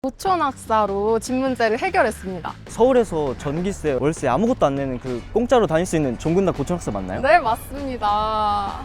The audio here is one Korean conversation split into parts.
고촌학사로 집 문제를 해결했습니다. 서울에서 전기세, 월세 아무것도 안 내는 그 공짜로 다닐 수 있는 종근당 고촌학사 맞나요? 네, 맞습니다.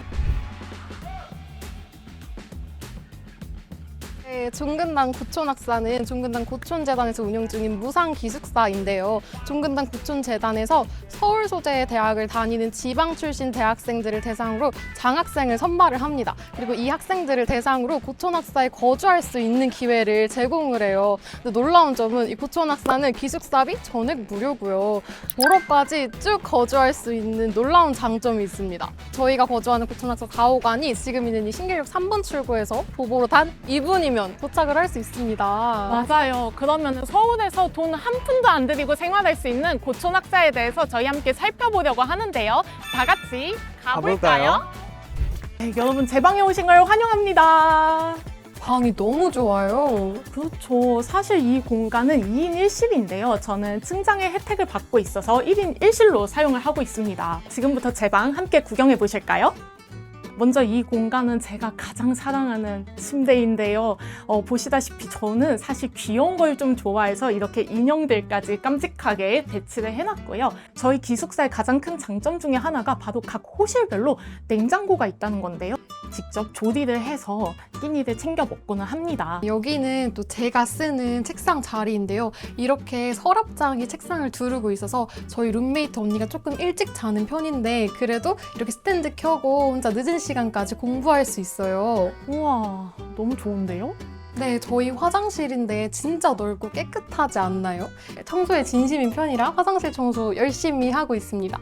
네, 종근당 고촌학사는 종근당 고촌재단에서 운영 중인 무상기숙사인데요. 종근당 고촌재단에서 서울 소재의 대학을 다니는 지방 출신 대학생들을 대상으로 장학생을 선발을 합니다. 그리고 이 학생들을 대상으로 고촌학사에 거주할 수 있는 기회를 제공을 해요. 근데 놀라운 점은 이 고촌학사는 기숙사비 전액 무료고요. 졸업까지 쭉 거주할 수 있는 놀라운 장점이 있습니다. 저희가 거주하는 고촌학사 4호관이 지금 있는 이 신길역 3번 출구에서 도보로 단 2분이면 도착을 할 수 있습니다. 맞아요. 그러면 서울에서 돈 한 푼도 안 들이고 생활할 수 있는 고촌학사에 대해서 저희 함께 살펴보려고 하는데요. 다 같이 가볼까요? 네, 여러분 제 방에 오신 걸 환영합니다. 방이 너무 좋아요. 그렇죠. 사실 이 공간은 2인 1실인데요. 저는 층장의 혜택을 받고 있어서 1인 1실로 사용을 하고 있습니다. 지금부터 제 방 함께 구경해 보실까요? 먼저 이 공간은 제가 가장 사랑하는 침대인데요. 보시다시피 저는 사실 귀여운 걸 좀 좋아해서 이렇게 인형들까지 깜찍하게 배치를 해놨고요. 저희 기숙사의 가장 큰 장점 중에 하나가 바로 각 호실별로 냉장고가 있다는 건데요. 직접 조리를 해서 끼니를 챙겨 먹고는 합니다. 여기는 또 제가 쓰는 책상 자리인데요. 이렇게 서랍장이 책상을 두르고 있어서 저희 룸메이트 언니가 조금 일찍 자는 편인데 그래도 이렇게 스탠드 켜고 혼자 늦은 시간까지 공부할 수 있어요. 우와, 너무 좋은데요? 네, 저희 화장실인데 진짜 넓고 깨끗하지 않나요? 청소에 진심인 편이라 화장실 청소 열심히 하고 있습니다.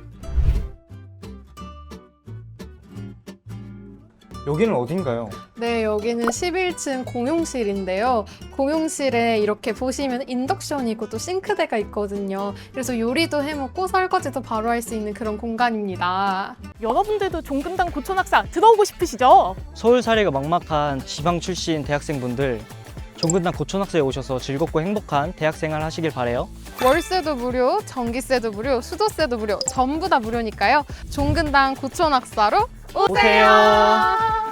여기는 어딘가요? 네, 여기는 11층 공용실인데요. 공용실에 이렇게 보시면 인덕션이 있고 또 싱크대가 있거든요. 그래서 요리도 해먹고 설거지도 바로 할 수 있는 그런 공간입니다. 여러분들도 종근당 고촌학사 들어오고 싶으시죠? 서울 사례가 막막한 지방 출신 대학생분들 종근당 고촌학사에 오셔서 즐겁고 행복한 대학생활 하시길 바래요. 월세도 무료, 전기세도 무료, 수도세도 무료, 전부 다 무료니까요. 종근당 고촌학사로 오세요.